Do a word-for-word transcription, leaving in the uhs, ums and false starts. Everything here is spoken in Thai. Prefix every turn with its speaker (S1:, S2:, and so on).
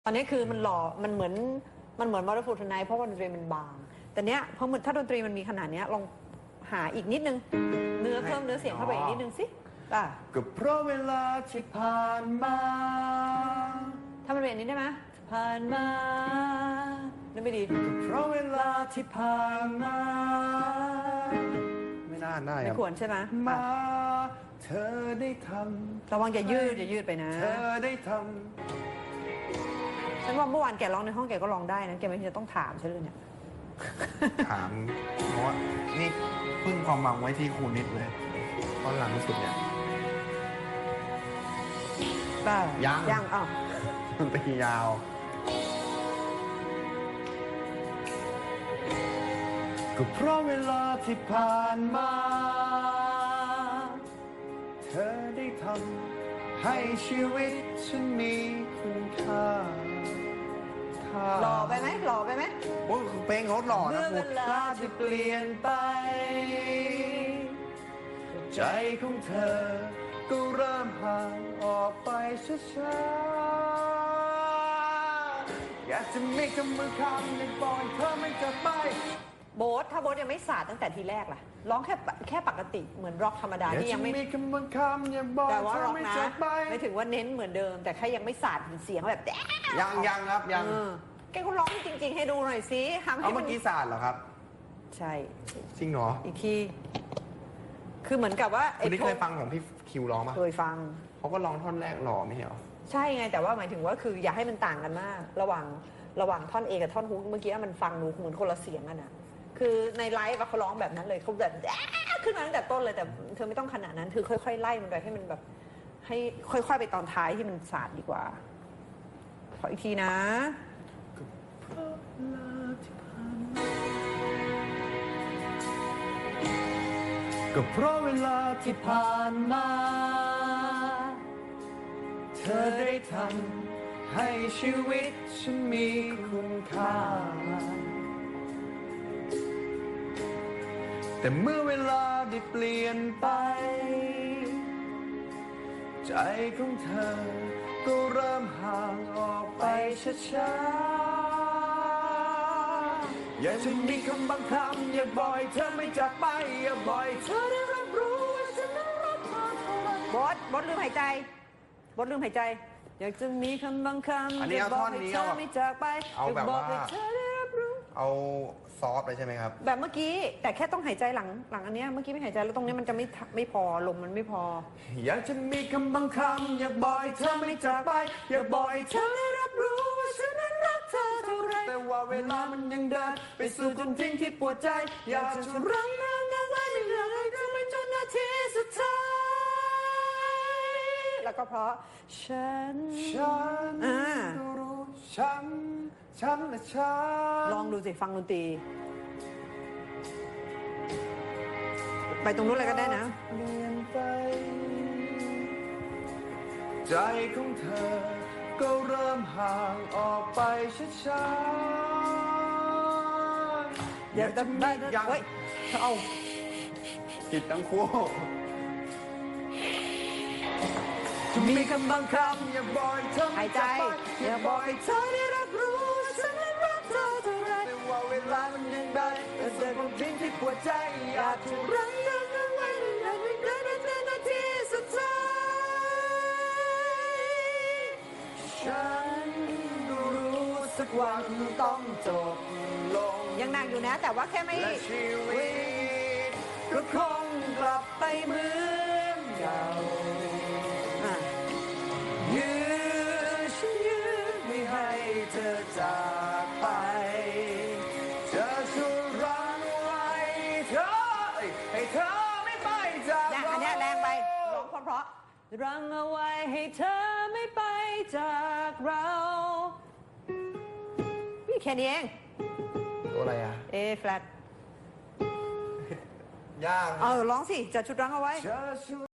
S1: ตอนนี้คือมันหล่อมันเหมือนมันเหมือน Wonderful Tonight เพราะว่าดนตรีมันบาง แต่เนี้ยพอถ้าดนตรีมันมีขนาดเนี้ยลองหาอีกนิดนึงเนื้อเพิ่มเนื้อเสียงเข้าไปอีกนิดนึงสิป่ะ
S2: ก็เพราะเวลาที่ผ่านมา
S1: ถ้ามันเป็นอันนี้ได้ไหมผ่านมาได้ไม่ดี
S2: ก็เพราะเวลาที่ผ่านมาไม่น่าได้
S1: ไม่ควรใช่ไหม
S2: มาเธอได้ทำ
S1: ระวังอย่ายืดอย่ายืดไปนะ
S2: เธอได้ทำ
S1: ฉันว่าเมื่อวานแกร้องในห้องแกก็ร้องได้นะแกไม่จะต้องถามฉันเลยเนี่ย
S2: ถามเพราะว่านี่พึ่งความหวังไว้ที่ครูนิดเลยตอนหลังสุดเนี่ย
S1: บ้า
S2: ยัง
S1: ยังอ๋อ
S2: ดนตรียาวก็เพราะเวลาที่ผ่านมาเธอได้ทำให้ชีวิตฉันมีคุณค่า
S1: หล่อไปไหมหล่อไปไหม
S2: โอ้เพลงเขาหล่อนะเมื่อเวลาที่เปลี่ยนไปใจของเธอก็เริ่มห่างออกไปช้าๆอยากจะมีคำมือคำในบอยเธอไม่จะไป
S1: โบ๊ทถ้าโบ๊ทยังไม่สาดตั้งแต่ทีแรกล่ะร้องแค่แค่ปกติเหมือนร็อกธรรมดาที่ยังไม่แต่ว่าร็อกนะไม่ถึงว่าเน้นเหมือนเดิมแต่แค่ยังไม่สาดเสียงแบบ
S2: ยังยังครับยัง
S1: แกก็ร้องจริงๆให้ดูหน่อยสิทำให้
S2: เอาเมื่อกี้สาดเหรอครับ
S1: ใช่
S2: จริงเหรอ
S1: อีกทีคือเหมือนกับว่า
S2: คุณนี่เคยฟังของพี่คิวร้องป่ะ
S1: เคยฟัง
S2: เขาก็ร้องท่อนแรกหล่อไม่เหรอ
S1: ใช่ไงแต่ว่าหมายถึงว่าคืออย่าให้มันต่างกันมากระหว่างระหว่างท่อนเอกับท่อนฮุกเมื่อกี้มันฟังดูเหมือนคนละเสียงกันนะคือในไลฟ์เขาร้องแบบนั้นเลยเขาแบบขึ้นมาตั้งแต่ต้นเลยแต่เธอไม่ต้องขนาดนั้นคือค่อยๆไล่มันไปให้มันแบบให้ค่อยๆไปตอนท้ายที่มันสาดดีกว่าขออีกทีนะ
S2: ก็เพราะเวลาที่ผ่านมาเธอได้ทำให้ชีวิตฉันมีคุณค่าแต่เมื่อเวลาได้เปลี่ยนไปใจของเธอก็เริ่มห่างออกไปช้าๆอยากจะมีคำบางคำอยากบอกให้เธอไม่จากไปอยากบอกให้เธอได้รับรู้ว่าฉันนั้นรักเธอเท่าไร
S1: บอสบอสลืมหายใจบอสลืมหายใจอยากจะมีคำบางคำ
S2: อันนี้เอาท่อนนี้เอา
S1: ไม่จากไป
S2: เอาแบบว่าเอาซอฟเลยใช่ไหมครับ
S1: แบบเมื่อกี้แต่แค่ต้องหายใจหลังหลังอันนี้เมื่อกี้ไม่หายใจแล้วตรงนี้มันจะไม่ไม่พอลมมันไม่พอ
S2: อยากจะมีคำบางคำอยากบอกให้เธอไม่จากไปอยากบอกให้เธอได้รับรู้ว่าฉันนั้นรักเธอเท่าไรแต่ว่าเวลามันยังเดินไปสู่จุดทิ้งที่ปวดใจอยากจะรั้งน้ำเอาไว้ไม่อยากให้เธอไม่จนนาทีสุดท้าย
S1: แล้วก็เพราะฉัน
S2: ฉันรู้ฉันฉันและฉัน
S1: ลองดูสิฟังดนตรีไปตรงนู้นเลยก็ได้นะ
S2: เปลี่ยนไปใจของเธอก็เริ่มห่างออกไปช้าๆ
S1: อยากจะมีอย่างเฮ้ยเอา
S2: ผิดทั้งคู่จะมีคำบางคำอยากบอกให้เธอ
S1: หายใจ
S2: อยากบอกให้เธอได้รับรู้ว่าฉันนั้นรักเธอเท่าไรแต่ว่าเวลามันยังได้แต่เสียงของทิ้งที่ปวดใจอยากจะรั้งน้ำเอาไว้ไม่อยากให้เธอได้เจอนาทีสุดท้ายฉันก็รู้สักวันต้องจบลง
S1: ยังหนักอยู่นะแต่ว่าแค่ไม่
S2: และชีวิตก็คงกลับไปเหมือนเก่ายื้อฉันยื้อไม่ให้เธอจากไปจะช่วยรั้งไว้เธอให้เธอไม่ไปจากเรา
S1: อันนี้แรงไปร้องเพราะๆรั้งเอาไว้ให้เธอไม่ไปจากเราพี่แค่นี้เอง
S2: ตัวอะไรอะ
S1: A flat
S2: ยาก
S1: เออร้องสิจะชุดรั้งเอาไว้